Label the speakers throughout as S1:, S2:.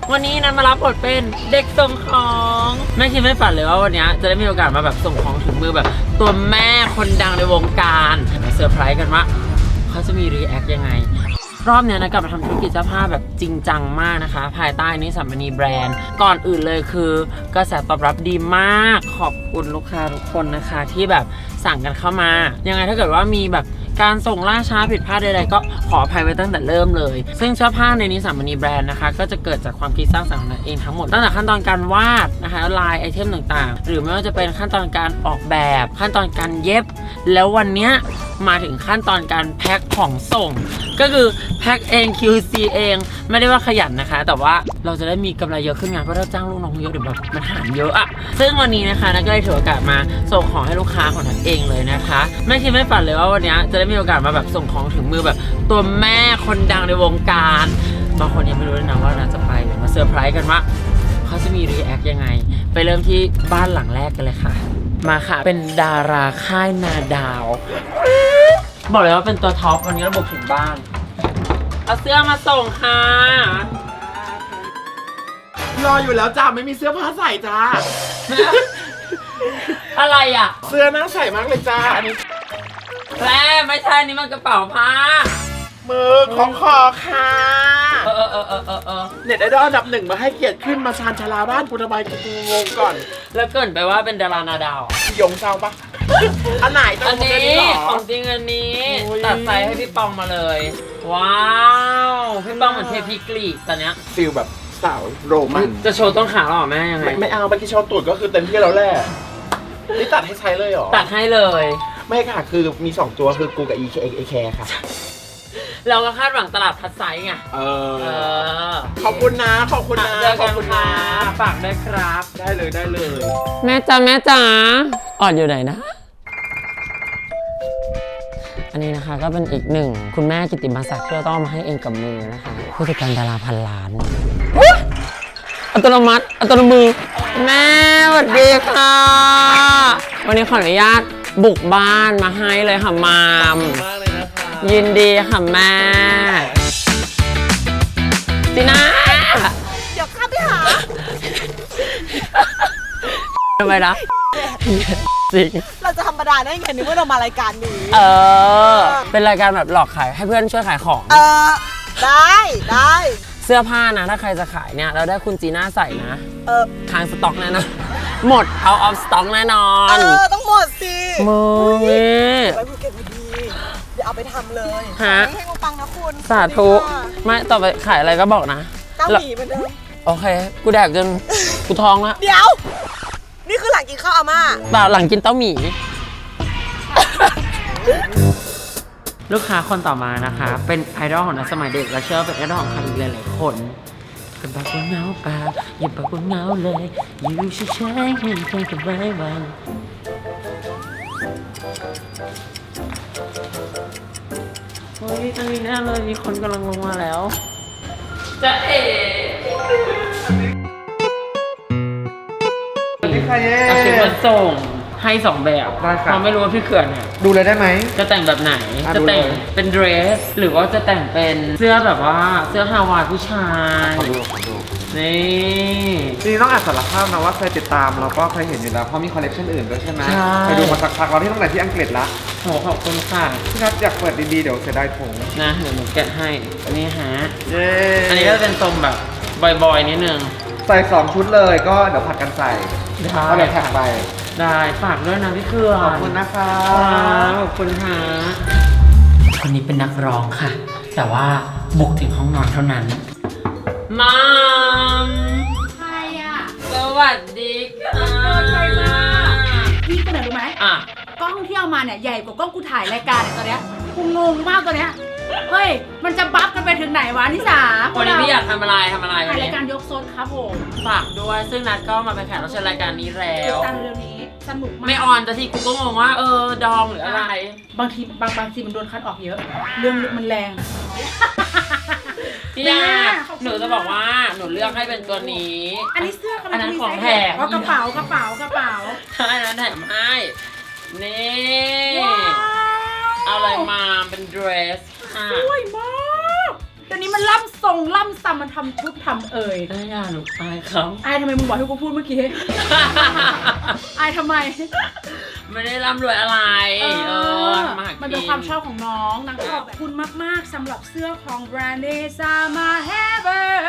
S1: วันนี้นันมารับบทเป็นเด็กส่งของไม่คิดไม่ฝันเลยว่าวันนี้จะได้มีโอกาสมาแบบส่งของถึงมือแบบตัวแม่คนดังในวงการมาเซอร์ไพรส์กันว่าเขาจะมีรีแอคยังไงรอบนี้นะกลับมาทำธุรกิจเสื้อผ้าแบบจริงจังมากนะคะภายใต้นิสสัมมณีแบรนด์ก่อนอื่นเลยคือกระแสตอบรับดีมากขอบคุณลูกค้าทุกคนนะคะที่แบบสั่งกันเข้ามายังไงถ้าเกิดว่ามีแบบการส่งล่าช้าผิดพลาดใดๆก็ขออภัยไว้ตั้งแต่เริ่มเลยซึ่งเสื้อผ้าในนิสสัมมณีแบรนด์นะคะก็จะเกิดจากความคิดสร้างสรรค์ของเราเองทั้งหมดตั้งแต่ขั้นตอนการวาดนะคะลายไอเทมต่างๆหรือไม่ว่าจะเป็นขั้นตอนการออกแบบขั้นตอนการเย็บแล้ววันนี้มาถึงขั้นตอนการแพ็คของส่งก็คือแพ็คเอง QC เองไม่ได้ว่าขยันนะคะแต่ว่าเราจะได้มีกำไรเยอะขึ้นงานเพราะเราจ้างลูกน้องเยอะเดี๋ยวแบบมันหารเยอะอะซึ่งวันนี้นะคะนักก็เลยถือโอกาสมาส่งของให้ลูกค้าของนักเองเลยนะคะไม่คิดไม่ฝันเลยว่าวันนี้จะได้มีโอกาสมาแบบส่งของถึงมือแบบตัวแม่คนดังในวงการบางคนยังไม่รู้เลยนะว่าเราจะไปเดี๋ยวมาเซอร์ไพรส์กันว่าเขาจะมีรีแอคยังไงไปเริ่มที่บ้านหลังแรกกันเลยค่ะมาค่ะเป็นดาราค่ายนาดาวบอกเลยว่าเป็นตัวท็อปวันนี้ระบบถึงบ้านเอาเสื้อมาส่งค่ะ
S2: รออยู่แล้วจ้าไม่มีเสื้อผ้าใส่จ้า
S1: อะไรอ่ะ
S2: เสื้อน่าใส่มากเลยจ้าอันนี้
S1: แม่ไม่ใช่นี่มันกระเป๋าผ้า
S2: มือของคอค่ะเน็ตไอดอลอันดับหนึ่งมาให้เกียรติขึ้นมาชานชาลาบ้านกูทำไมกูงงก่อน
S1: แล้วเกินไปว่าเป็นดารานาดาว
S2: พี่ยงเศร้าปะอันไหน
S1: อันนี้ของจริงอันนี้ตัดไซส์ให้พี่ปองมาเลยว้าวพี่ปองเหมือนเทพีกรีกตอนเนี้ย
S2: ฟิลแบบสาวโรมัน
S1: จะโชว์ต้นขาหรอแม่ยังไง
S2: ไม่เอาเมื่อกี้โชว์ตูดก็คือเต็มที่แล้วแหละนี่ตัดให้ใช้เลยหรอ
S1: ตัดให้เลย
S2: ไม่ค่ะคือมี2ตัวคือกูกับ EK ค่ะ
S1: เราก็คาดหวังตลาดพัดไซส์ไง
S2: ขอบคุณนะขอบคุณนะ
S1: ขอบคุณนะฝากด้วยครับ
S2: ได้เลย
S1: แม่จ๋าอ่อนอยู่ไหนนะอันนี้นะคะก็เป็นอีกหนึ่งคุณแม่กิตติมาศักดิ์ที่เราต้องมาให้เองกับมือนะคะผู้จัดการดาราพันล้านอัตโนมัติอัตโนมือแม่สวัสดีค่ะวันนี้ขออนุญาตบุกบ้านมาให้เลยค่ะมามยินดีค่ะแม่จีน่า
S3: เดี๋ยวข้าไปหา
S1: ทำไมนะจริง
S3: เราจะธรรมดาได้ไงนึกว่าเรามารายการนี้
S1: เป็นรายการแบบหลอกขายให้เพื่อนช่วยขายของ
S3: ได้
S1: เสื้อผ้านะถ้าใครจะขายเนี่ยเราได้คุณจีน่าใส่นะทางสต็อกแน่นอนหมดเอาออฟสต็อกแน่นอน
S3: ต้องหมดสิ
S1: มึงนี่
S3: ไปภูเก็ตพอดีเดี๋ยวเอาไปทำเลยให้ปังนะคุณ
S1: สาธุไม่ต่อไปขายอะไรก็บอกนะ
S3: เต้าหมี่เหมือนเดิม
S1: โอเคกูแดกจนกูท้องแล้ว
S3: เดี๋ยวนี่คือหลังกินข้าวอาม่า
S1: เปล่าหลังกินเต้าหมี่ลูกค้าคนต่อมานะคะเป็นไอดอลของนักสมัยเด็กและเชื่อเป็นไอดอลของใครอีกหลายๆคนเป็นบอกว่าเหงาเปล่าอย่าบอกว่าเหงาเลยอยู่เฉยๆเห็นแค่กับไม่ไหวเฮ้ยตอนนี้แน่เลยมีคนกำลังลงมาแล้วจะเอ๋เอาชุดมาส่งให้2แบบเราไม่รู้ว่าพี่เขื่อนเนี่ย
S2: ดูเลยได้ไหม
S1: จะแต่งแบบไหนจะแต่งเป็นเดรสหรือว่าจะแต่งเป็นเสื้อแบบว่าเสื้อฮาวายผู้ชาย
S2: นี่ต้องอ่านสารภาพนะว่าเคยติดตามแล้วก็เคยเห็นอยู่แล้วเพราะมีคอลเลคชันอื่นด้วยใช่ไหมไปดูมาสักพักเราที่ตั้งแต่ที่อังกฤษละ
S1: โหขอบคุณค่ะ
S2: พี่นัทอยากเปิดดีๆเดี๋ยวเสียดายถุง
S1: นะเดี๋ยวหนูแกะให้อันนี้ฮะอันนี้ก็เป็นทรงแบบบอยๆนิดนึง
S2: ใส่2ชุดเลยก็เดี๋ยวผัดกันใส่ก็เดี๋ยวแท็กไป
S1: ได้ฝากด้วยนะพี่เครือ
S2: ขอบคุณนะคะ
S1: ขอบคุณค่ะคนนี้เป็นนักร้องค่ะแต่ว่าบุกถึงห้องนอนเท่านั้นมัม
S4: ใครอ่ะ
S1: สวัสดีค่ะ
S4: พี่คนไหนรู้ไหมกล้องที่เอามาเนี่ยใหญ่กว่ากล้องกูถ่ายรายการเนี่ยตอนเนี้ยกูงงมากตอนเนี้ยเฮ้ยมันจะบัฟกันไปถึงไหนวะนิสา
S1: วันนี้พี่อยากทำอะไร
S4: ถ่ายรายการยกโซนครับผม
S1: ฝากด้วยซึ่งนัดก็มาเป็นแขกรับเชิญรายการนี้แล้ว
S4: ตามเรื่องนี้สนุกมาก
S1: ไม่ออนแต่ทีกูก็งงว่าดองหรืออะไร
S4: บางทีมันโดนคัดออกเยอะเรื่องมันแรง
S1: พี่ยาหนูจะบอกว่าหนูเลือกให้เป็นตัวนี้
S4: อันนี้เสื้ออั
S1: นนั้นของแถม
S4: กระเป๋า
S1: ใช่นั้นแถมให้นี่เอาอะไรมาเป็นเดรส
S4: สวยมากเดดี๋ยวนี้มันล่ำทรงล่ำซ้ำมันทำชุดทำเอ่ย
S1: ได้ยาหนูอายครับ
S4: อายทำไมมึงบอกให้กูพูดเมื่อกี้ อายทำไม
S1: ไม่ได้ร่ำรวยอะไร
S4: มันเป็นความชอบของน้องนางชอบขอบคุณมากๆสำหรับเสื้อของแบรนด์เนซ่ามาเฮเบอร์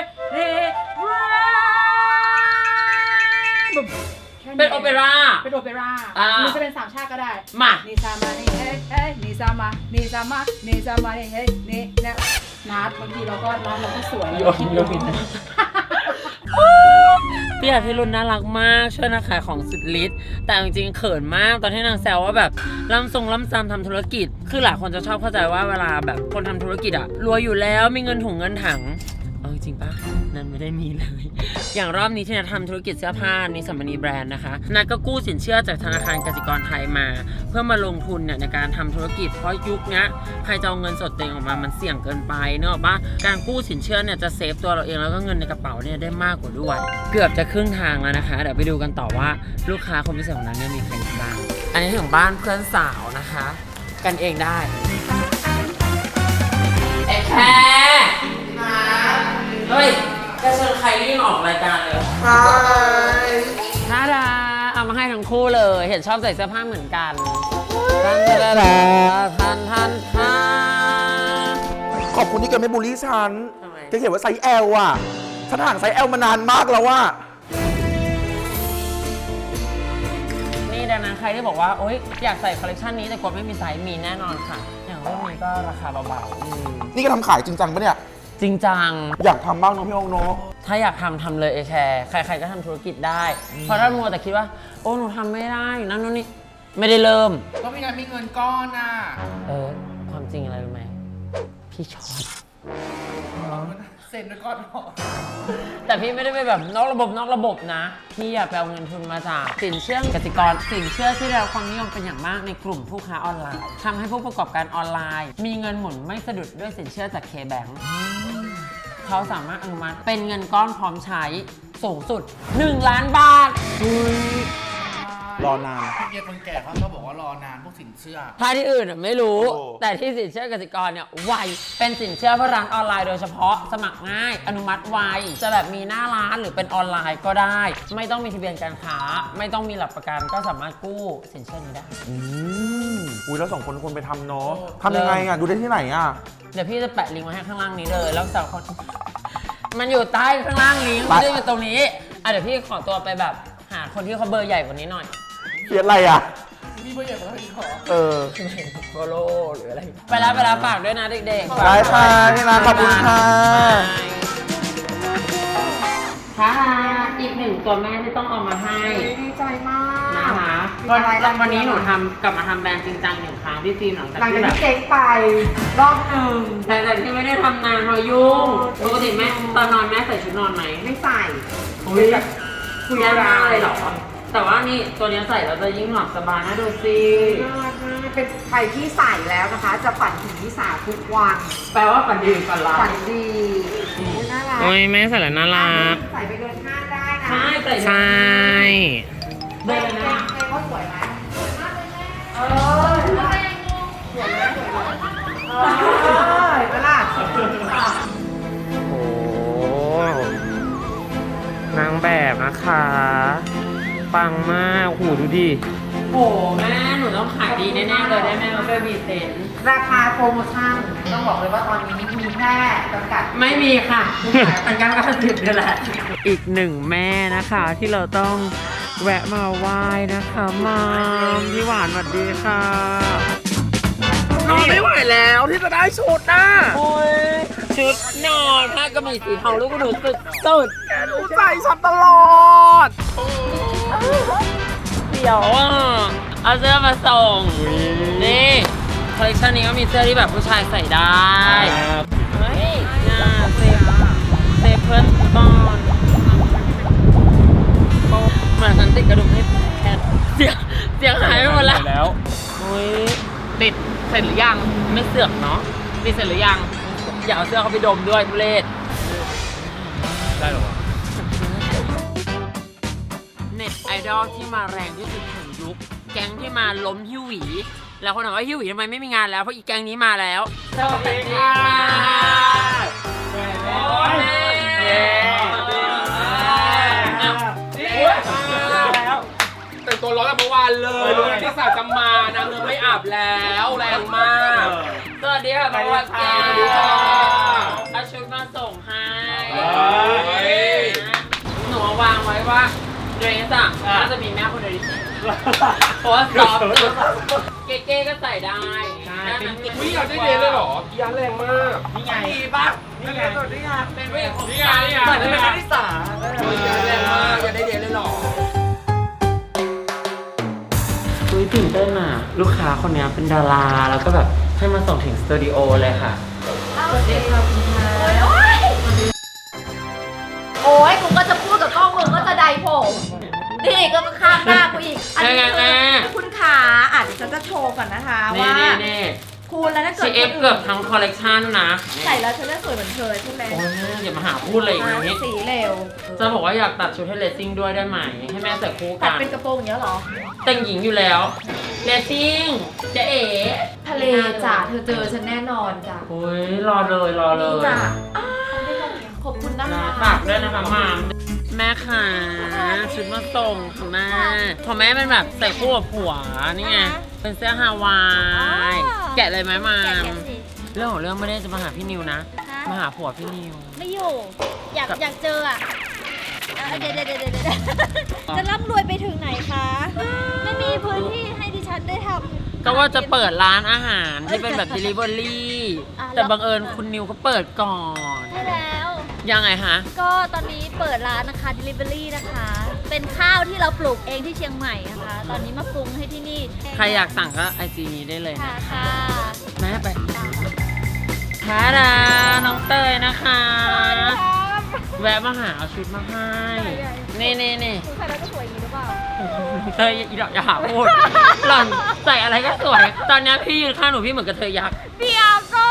S1: เป็นโอเปร่า
S4: เป็นโอเปร่าหรือจะเป็นสามชาติก็ได้
S1: มา
S4: นิซามานี่เฮ้เฮ้นิซามานิซามานิซามานี่เฮ้นี่เนี่ยนัดบางทีเราก็สวย
S1: โยนพี่อาทิรุณน่ารักมากช่วยนะขายของสุดฤทธิ์แต่จริงๆเขินมากตอนที่นางแซวว่าแบบล่ำซ้ำทำธุรกิจคือหลายคนจะชอบเข้าใจว่าเวลาแบบคนทำธุรกิจอะรวยอยู่แล้วมีเงินถุงเงินถังเอาจริงปะนั่นไม่ได้มีเลยอย่างรอบนี้ที่นัททำธุรกิจเสื้อผ้านิสสัมมณีแบรนด์นะคะนัทก็กู้สินเชื่อจากธนาคารกสิกรไทยมาเพื่อมาลงทุนเนี่ยในการทำธุรกิจเพราะยุคนี้ใครจะเอาเงินสดเต็งออกมามันเสี่ยงเกินไปเนอะปะการกู้สินเชื่อเนี่ยจะเซฟตัวเราเองแล้วก็เงินในกระเป๋าเนี่ยได้มากกว่าด้วยเกือบจะครึ่งทางแล้วนะคะเดี๋ยวไปดูกันต่อว่าลูกค้าคนพิเศษของนั้นเนี่ยมีใครบ้างอันนี้ถึงบ้านเพื่อนสาวนะคะกันเองได้แค่เฮ้ยจะเชิญใครรีบออกรายการเลยน่ารักเอามาให้ทั้งคู่เลย เห็นชอบใส่เสื้อผ้าเหมือนกันทัน
S2: ขอบคุณที่แกไม่บูลลี่ฉัน
S1: ทำไม
S2: แกเขียนว่าไซส์ L อ่ะฉันห่างไซส์ L มานานมากแล้วว่า
S1: นี่ดังนั้นใครที่บอกว่าโอ๊ยอยากใส่คอลเลคชันนี้แต่กลัวไม่มีไซส์มีแน่นอนค่ะ อย่างรุ่นนี้ก็ราคาเบาๆ
S2: นี่ก็ทำขายจริงจังปะเนี่ย
S1: จริงจัง
S2: อยากทำบ้างเนอะพี่โอ๊คเนอะ
S1: ถ้าอยากทำเลยแคร์ใครๆก็ทำธุรกิจได้ เพราะถ้ามัวแต่คิดว่าโอ้หนูทำไม่ได้นั่นนู่นนี่ไม่ได้เริ่ม
S3: ก็มีงานมีเงินก้อนอ่ะ
S1: ความจริงอะไรรู้ไหมพี่ช็อต
S3: เซ็นด้วยก้อนหอ
S1: แต่พี่ไม่ได้ไปแบบนอกระบบนะพี่อยากไปเอาเงินทุนมาจากสินเชื่อกสิกรสินเชื่อที่ได้รับความนิยมเป็นอย่างมากในกลุ่มผู้ค้าออนไลน์ทำให้ผู้ประกอบการออนไลน์มีเงินหมุนไม่สะดุดด้วยสินเชื่อจาก K-Bank เขาสามารถอนุมัติเป็นเงินก้อนพร้อมใช้สูงสุด1 ล้านบาท
S2: รอนาน
S3: พี่เกียร์คนแก่เขาชอบบอกว่ารอนานพวกสินเชื่อ
S1: ถ้าที่อื่นไม่รู้
S2: โอ้
S1: แต่ที่สินเชื่อกสิกรเนี่ยไวเป็นสินเชื่อเพื่อร้านออนไลน์โดยเฉพาะสมัครง่ายอนุมัติไวจะแบบมีหน้าร้านหรือเป็นออนไลน์ก็ได้ ไม่ต้องมีทะเบียนการค้าไม่ต้องมีหลักประกันก็สามารถกู้สินเชื่อนี้ได้
S2: อุ้ยแล้ว2 คนควรไปทำเนาะทำยังไงอ่ะดูได้ที่ไหนอ่ะ
S1: เดี๋ยวพี่จะแปะลิงก์ไว้ให้ข้างล่างนี้เลยแล้วสาวคนมันอยู่ใต้ข้างล่างลิงก์ไม่ได้อยู่ตรงนี้เดี๋ยวพี่ขอตัวไปแบบหาคนที่เขาเบอร์ใหญ่กว่านี้หน่อย
S2: เขียนอะไรอ่ะ
S3: มีเบอร์ใหญ่กว่าพี่ขอ
S1: โฟโล่หรืออะไรไปแล้วฝากด้วยนะเด็กๆ
S2: ได้ค่ะนี่นะขอบคุณค่ะ
S1: ค่ะอีกหนึ่งตัวแม่ที่ต้องเอามาให้
S3: ดีใจมาก
S1: นะคะวันนี้หนูกลับมาทำแบรนด์จริงจัง1 ครั้งพี่ฟิล์มหลังจาก
S3: หลัง
S1: ที่
S3: จาก
S1: แบบ
S3: ที่เจ๊งไปรอบหนึ่ง
S1: แต่ที่ไม่ได้ทำงานเพราะยุ่งปกติแม่ตอนนอนแม่ใส่ชุดนอนไหม
S3: ไม่ใส่
S1: อุ้ยคุยมากเลยเหรอแต่ว่านี่ตัวนี้ใส่แล้วจะยิ่งหลับสบายนะดูสิ
S3: เป็นใครที่ใส่แล้วนะคะ จะฝันถึงที่สาทุกวัน
S1: แปลว่าฝันดีฝันร้าย
S3: ฝันดีน่ารัก
S1: โอ้ยแม่ใส่แล้วน่ารัก
S3: ใส่ไปเดินห้างได้นะ
S1: ใช่ใส่
S2: ใช่
S3: เดินนะเขาสวยไหมสวยมากเลยแม่สวยไหมสวยไหมเวลา
S1: โอ้นางแบบนะคะปังมากโหดูดิโอ้แม่หนูต้องขายดีแน่ๆเลยได้ไหมเราช่วยบีเซน
S3: ราคาโปรโมชั่นต้องบอกเลยว่าตอนนี้มีแค่จำกัด
S1: ไม่มีค่ะเป็นการกระติบนี่แหละอีกหนึ่งแม่นะคะที่เราต้องแวะมาไหว้นะคะมามพี่หวานสวัสดีค่ะ
S2: นอนไม่ไหวแล้วที่จะได้ชุดน่ะ
S1: โอ้ยชุดนอนผ้ากระบี่สีทองลูกหนูสุด
S2: แกรู้ใจฉันตลอด
S1: เดี๋ยวเอาเสื้อมาส่งนี่คอลเลคชันนี้ก็มีเสื้อที่แบบผู้ชายใส่ได้เฮ้ยน่าเซฟเพื่อนก่อนเหมือนฉันติดกระดุมให้แคทเสียงหายไปหมดแล้วโอ้ยติดเสร็จหรือยังไม่เสือกเนาะติดเสร็จหรือยังอย่าเอาเสื้อเขาไปดมด้วยทุเรศได้หรอเน็ตไอดอลที่มาแรงที่สุดของยุคแก๊งที่มาล้มฮิวหวีแล้วคนถามว่าฮิวหวีทำไมไม่มีงานแล้วเพราะอีแก๊งนี้มาแล้วสวัสดีค่ะ
S5: แต่งตัวร้อนแบบเมื่อวานเลยรู้ที่สาวจะมานางเริ่มไม่อาบแล้วแรงมาก
S1: สวัสดีค่ะบางวันแก้วเอาชุดมาส่งให้หนูวางไว้ว่าเดรสอะน่าจะมีแม่คนเดียวที่ใส่เพราะว่าซอฟต์เก๋ๆก็ใส่ได้
S5: วิอยากได้เดนเลยเหรอพี่ยันแรงมาก
S2: นี่ไง
S5: ดีป่ะ
S2: นี่ไง
S1: เป็นเวทของ
S5: นี่ไง
S1: การ
S5: นี่ไง
S2: เหมือนเป็นคณิตศาสตร์
S5: ยันแรงมากอยากได้เดนเลยเหรอ
S1: คุยตื่นเต้นอ่ะลูกค้าคนนี้เป็นดาราแล้วก็แบบให้มาส่งถึงสตูดิโอเลยค่ะ
S3: โอ้ยกูก็จะพูดกับกล้องมึงก็จะไดผมนี่ก็ข้ามหน้ากูอีก อันนี้คือคุณขาอาจจะฉันจะโชว์ก่อนนะคะ
S1: นี่
S3: ว่า
S1: นี่
S3: คุณแล้วถ้าเกิด
S1: CF เกือบทั้งคอลเลกชันนะ
S3: ใส่แล้วฉันจะสวยเหมือนเธอใช่ไหม
S1: โอ้ยแม่อย่ามาหาพูดอะไรอย่างนี้
S3: สีเร็ว
S1: จะบอกว่าอยากตัดชุดให้เลสซิ่งด้วยได้ไหม ให้แม่ใส่คู่
S3: ตั
S1: กั
S3: ด
S1: น
S3: เป็นกระโปรงอย่างเงี้ยเหรอ
S1: แต่งหญิงอยู่แล้วเลสซิ่งจะเอ๋
S3: ทะเลจ้ะเธอเจอฉันแน่นอนจ้ะ
S1: โอ้ยรอเลยรอเลย
S3: จ้ะขอบคุณนะคะ
S1: ฝากด้วยนะคะมามแม่ค่ะชุดมาส่งของแม่ของแม่เป็นแบบใส่คู่กับผัวนี่ไงเป็นเสื้อฮาวายแกะเลยไหมมาม เรื่องของเรื่องไม่ได้จะมาหาพี่นิวนะ มาหาผัวพี่นิว
S6: ไม่อยู่ อยากเจออ่ะเดี๋ยวจะร่ำรวยไปถึงไหนคะ ไม่มีพื้นที่ให้ดิฉันได้ทำ
S1: ก็ว่าจะเปิดร้านอาหารที่เป็นแบบ delivery แต่บังเอิญคุณนิวเขาเปิดก่อน
S6: ใช่แล้ว
S1: ยังไงฮะ
S6: ก็ตอนนี้เปิดร้านนะคะ Delivery นะคะ เป็นข้าวที่เราปลูกเองที่เชียงใหม่นะคะ ตอนนี้มาปรุงให้ที่นี่
S1: ใครอยากสั่งก็ไอจีนี้ได้เลย
S6: ค่ะ
S1: นะ
S6: ค่ะ
S1: แม่ไปทาดาน้องเตยนะคะ แวะมาหาเอาชุดมาให้ นี่นี่นี่
S6: คุณใส่แล้วจะสวยอย่างนี้หรือเปล่า
S1: เตยอีดอกอย่าหาพูด หล่อนใส่อะไรก็สวย ตอนนี้พี่ยืนข้างหนูพี่เหมือนกับเธอยักษ์
S6: เดี๋ยวก่อน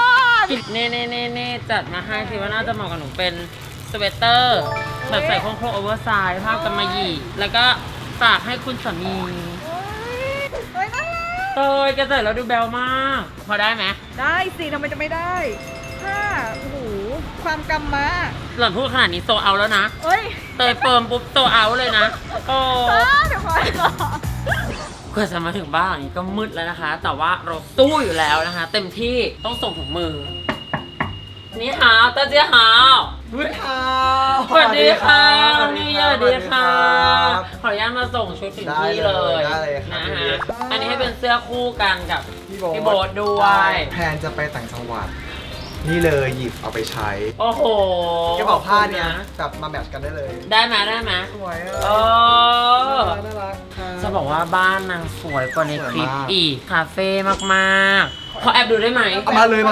S1: นี่จัดมาให้คิดว่าน่าจะเหมาะกับหนูเป็นสเวตเตอร์แบบใส่โครงโอเวอร์ไซส์ภาพกำมะหยี่แล้วก็ฝากให้คุณสามี
S6: เฮ้ยน่ารัก
S1: เตยแกใส่แล้วดูแบลมาก พอได้ไหม
S7: ได้สิทำไมจะไม่ได้ถ้าโอ้โห ความกำมา
S1: หล่อนพูดขนาดนี้โซเอาแล้วนะ
S7: เอ้ย
S1: เตยเฟิร์มปุ๊บโซเอาเลยนะโอ้
S7: เดี๋ยวก่อน
S1: กว่าจะมาถึงบ้านอย่างนี้ก็มืดแล้วนะคะ แต่ว่าเราสู้อยู่แล้วนะคะ เต็มที่ต้องส่งถุงมือ นี่ฮาวเตาเจ๊ฮาว สวัสดีค่ะนี่สวัสดีค่ะ ขออนุญาตมาส่งชุดถึงที่เลย
S8: ได้เลยครับ
S1: นะฮะ อันนี้ให้เป็นเสื้อคู่กันกับ พี่โบ๊ทด้วย
S8: ได้แพลนจะไปต่างจังหวัด นี่เลยหยิบเอาไปใช้
S1: โอ้โห
S8: กระเป๋าผ้าเนี่ยแบบมาแมทช์กันได้เลย
S1: ได้ไหมได้ไหม
S8: สวย
S1: โอ้
S8: น่ารักครับ
S1: จะบอกว่าบ้านนางสวยกว่าในคลิป
S8: สวยมาก
S1: อีก คาเฟ่มากๆ ขอแอบดูได้ไหม
S8: เอามาเลยมา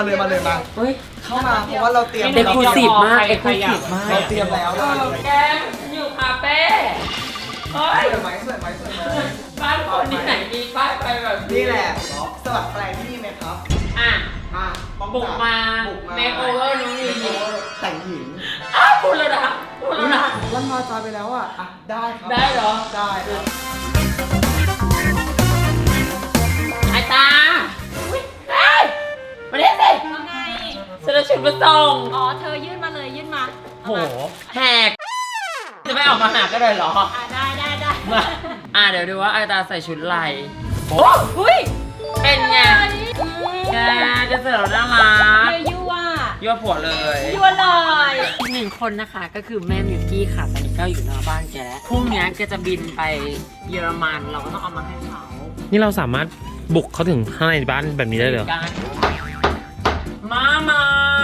S1: เฮ้ย
S8: เข้ามาเพราะว่าเราเตรียม
S1: เอ็กซ์คลูซีฟมากเอ็กซ์คลูซีฟมาก
S8: เราเตรียมแล้วเราเลย
S1: แกอยู่คาเฟ่เฮ้ย
S8: สวยไหม
S1: บ้านคนที่ไหนมีป้ายไปแบบ
S8: นี่แหละสลัดแปลงที่นี่ไหมครับ
S1: อ่ะ
S8: มาป้อง
S1: บุกมา
S8: บุกมา
S1: เมคโอเวอร์น้องลี
S8: แต่งหญิง
S1: อ้าวพูดแล้วนะพูดแล้วนะ
S8: วันมาจอยไปแล้วอ่ะได้ครับ
S1: ได้เหรอ
S8: ได้ครับ
S1: ไอ้ตาอุ๊ยเอ้ยมาเรียกสิ
S6: ทำไง
S1: ฉันจะชุดมาส่ง
S6: อ๋อ เธอยื่นมาเลยยื่นมา
S1: โหแหกจะไม่ออกมาหาก็เลยเหรอ
S6: ได้
S1: มาเดี๋ยวดูว่าไอตาใส่ชุดอะไรโอ้
S6: อุ้ย
S1: เป็นไงแกจะเสร็จแล้วน่ารัก
S6: ยั่ว
S1: ยั่วผัวเลย
S6: ยั่วเลย
S1: อีกหนึ่งคนนะคะก็คือแม่มิวกี้ค่ะตอนนี้ก็อยู่หน้าบ้านแกแล้วพรุ่งนี้แกจะบินไปเยอรมันเราก็ต้องเอามาให้เขา
S5: นี่เราสามารถบุกเขาถึงข้างในบ้านแบบนี้ได้เลย
S1: กันมา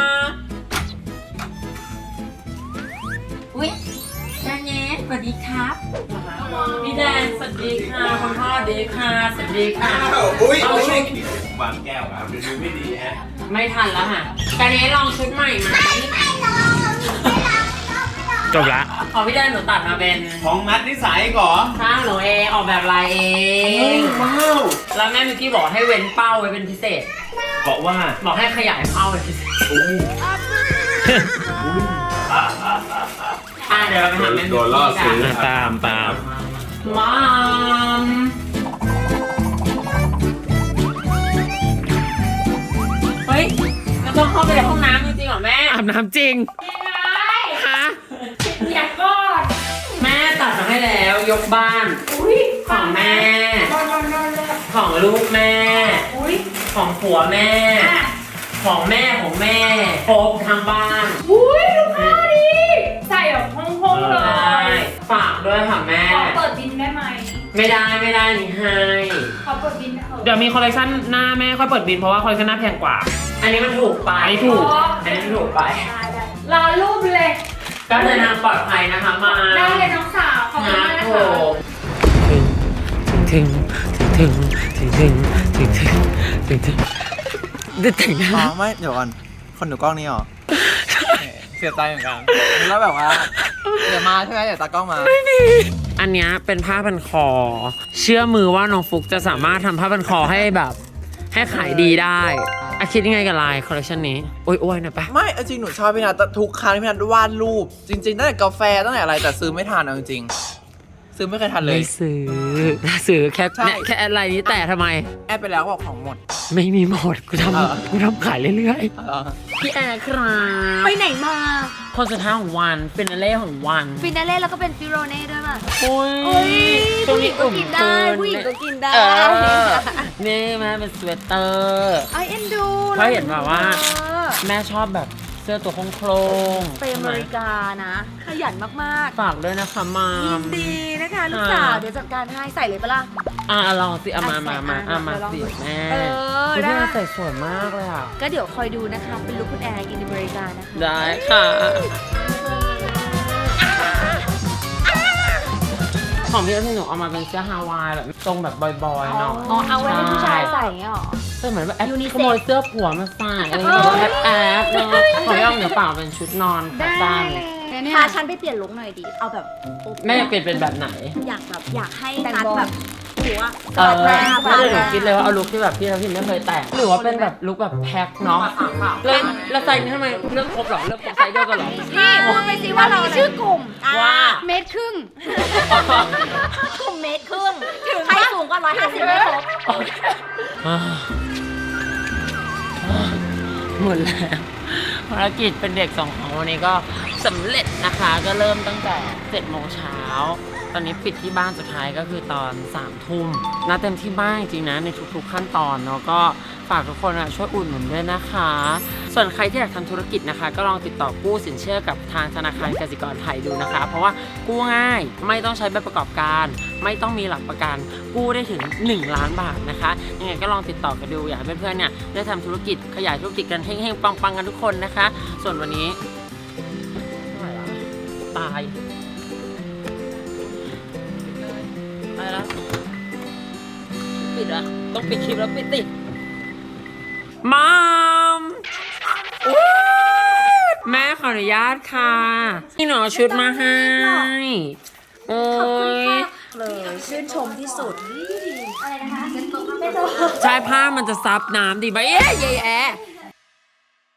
S1: อุ๊ยแดนเนสสวัสดีครับพี่แดนสวัสดีค่ะคุณพ่อสวัสดีค่ะสวัสดีค่ะเอาชุด
S2: วางแก้วอ่ะดูไม่ดีฮะ
S1: ไม่ทันแล้วค่ะการนี้ลองชุดใหม่ไหม
S5: จบละ
S1: ขอพี่แดนหนูตัดมาเป็น
S2: ของมัดนิสัยก่อ
S1: ข้างหนูเองออกแบบลายเอง
S2: ว้าว
S1: แล้วแม่มิวกี้บอกให้เว้นเป้าไว้เป็นพิเศษ
S2: บอกว่า
S1: บอกให้ขยายเป้าเป็นพิเศษเดี๋ยวเราไปหาแม่มิวกี้กัน
S5: ตาม
S1: มามเฮ้ยเราต้องเข้าไปในห้องน้ำจริงๆเหรอแม่
S5: อาบน้ำจริง
S1: ยังไง
S5: ฮะ
S4: จัดก่อน
S1: แม่ตัดมาให้แล้วยกบ้าน
S4: อุ้ย
S1: ของแม่
S4: นอนเลย
S1: ของลูกแม่
S4: อุ้ย
S1: ของผัวแม่ ของแม่ของแม่ครบทั้งบ้าน
S4: อุ้ยดูผ้าดิใส่แบบห้องๆเล
S1: ได้
S4: ย
S1: ฝากด้วยค่ะแม่
S4: ขอเปิดบินได้ไหม
S1: ไม่ได้นี่ให้
S4: ขอเปิดบินได้เถอะ
S5: เดี๋ยวมีคอลเลคชันหน้าแม่ค่อยเปิดบินเพราะว่าคอลเลคชันหน้าแพงกว่า
S1: อันนี้มันถูกไป
S5: อันนี้ถูก
S1: อันนี้มันถูกไป
S4: ได้รอรูปเลย
S1: ก็เดินทางปลอดภัยนะคะมา
S4: ได้เลยน้องสาวขอบคุณมากนะคะ
S1: ถึงได้แต่งหน้า
S8: อ๋อไม่เดี๋ยวก่อนคนดูกล้องนี่หรอ เสียใจเหมือนกันแล้วแบบว่าเดี๋ยวมาใช่ไหมเดี๋ยวตากล้องมา
S1: อันเนี้ยเป็นผ้าพันคอ เชื่อมือว่าน้องฟุกจะสามารถทำผ้าพันคอให้แบบ ให้ขายดีได้อะคิดยังไงกับลายคอลเลคชันนี้โอ้ยหน่อยปะ
S8: ไม่เอาจริงหนูชอบพี่นัททุกครั้งที่พี่นัทวาดรูป จริงๆตั้งแต่กาแฟตั้งแต่อะไรแต่ซื้อไม่ทันเอาจริงๆซื้อไม่เคยทันเลย
S1: ไม่ซื้อแค่
S8: ใช่
S1: เนี่ยแค่อะไรนี้แต่ทำไม
S8: แอบไปแล้วบอกของหมด
S1: ไม่มีหมดกู
S8: เออ
S1: กูทำขายเรื่อย
S8: เออ
S1: ๆพี่แอร์ครับ
S6: ไปไหนมา
S1: คนสุดท้ายของวันฟินาเล่ของวัน
S6: ฟินาเล่แล้วก็เป็นฟิโรเน่ด้วยป่ะ
S1: โอ้ย
S6: เฮ้ย
S1: ช่วง
S6: ผู้หญิ
S1: นี้
S6: งก็
S1: อุ่ม
S6: กินได้
S1: เกิน
S6: ผู้หญิงก็กินได้
S1: เออนี่แม่เป็นสเวตเตอร์
S6: ไอเอ็นดู
S1: เพราะเห็นแบบว่า
S6: เออ
S1: แม่ชอบแบบเสื้อตัวโครง
S6: ไปอเมริกานะ ขยันมาก
S1: ฝากด้วยนะคะมาม
S6: ๆยินดีนะคะลูกสาว เดี๋ยวจัดการให้ใส่เลยปะล่ะ
S1: ลองสิมา
S6: ใส่
S1: มา
S6: อ่ะ
S1: มา
S6: เดี๋ยวลอง
S1: สิ
S6: ดู
S1: แม่
S6: เออ
S1: คุณ
S6: ได้
S1: แม่ใส่สวยมากเลยอ่ะ
S6: ก็เดี๋ยวคอยดูนะคะ เป็นลูกคุณแอร์อินอเมริกานะคะ
S1: ได้ค่ะ ของพี่ที่หนูเอามาเป็นเสื้อฮาวายแบบทรงแบบบอยๆเนาะ
S6: อ๋อ เอาไว้ให้ผู้ชายใส่เงี้ยหรอ
S1: เสื้อเหมือนแบบแอป
S6: Unisex
S1: ขโมยเสื้อผัวมาใส่อะไรอย่างเงี้ยแอบเนาะของพี่อ้อมเหนือเปล่าเป็นชุดนอนขาสั้น
S6: พาฉันไปเปลี่ยนลุคหน่อยดิ เอาแบบโอ๊ะ
S1: แม่เปลี่ยนเป็นแบบไหน
S6: อยากให้นัดแบบหัว
S1: เออ
S6: หน้า
S1: ไม่ได้หนูคิดเลยว่าเอาลุคที่แบบพี่ทัพทิมไม่เคยแต่งหรือว่าเป็นแบบลุคแบบแพ็คเนาะแล้วใส่นี่ทำไมเลือกครบเหรอเลือกครบไซส์เดียวกันเหรอ
S6: นี่พูดไปสิว่าเราชื่อกลุ่ม
S1: ว่า
S4: เมตรครึ่ง
S6: กลุ่มเมตรครึ่งใครสูงกว่า150ไม่ครบ
S1: หมดแล้วภารกิจเป็นเด็กส่งของวันนี้ก็สำเร็จนะคะ ก็เริ่มตั้งแต่7 โมงเช้าตอนนี้ปิดที่บ้านสุดท้ายก็คือตอน3 ทุ่มนะเต็มที่บ้านจริงๆนะในทุกๆขั้นตอนเนาะก็ฝากทุกคนช่วยอุดหนุนด้วยนะคะ ส่วนใครที่อยากทำธุรกิจนะคะ ก็ลองติดต่อกู้สินเชื่อกับทางธนาคารกสิกรไทยดูนะคะ เพราะว่ากู้ง่ายไม่ต้องใช้ใบประกอบการ ไม่ต้องมีหลักประกันกู้ได้ถึง1 ล้านบาทนะคะยังไงก็ลองติดต่อกันดูอยากให้เพื่อนๆเนี่ยได้ทำธุรกิจขยายธุรกิจกันเฮงๆปังๆกันทุกคนนะคะ ส่วนวันนี้ตายแล้วปิดอะต้องปิดคลิปแล้วปิดติมามแม่ขออนุญาตค่ะนี่หนูเอาชุดมาให้โอ้ย
S6: เลยชื่นชมที่สุด อะไรนะคะ
S1: ใช้ผ้ามันจะซับน้ำดีไหมเย้เย้แอ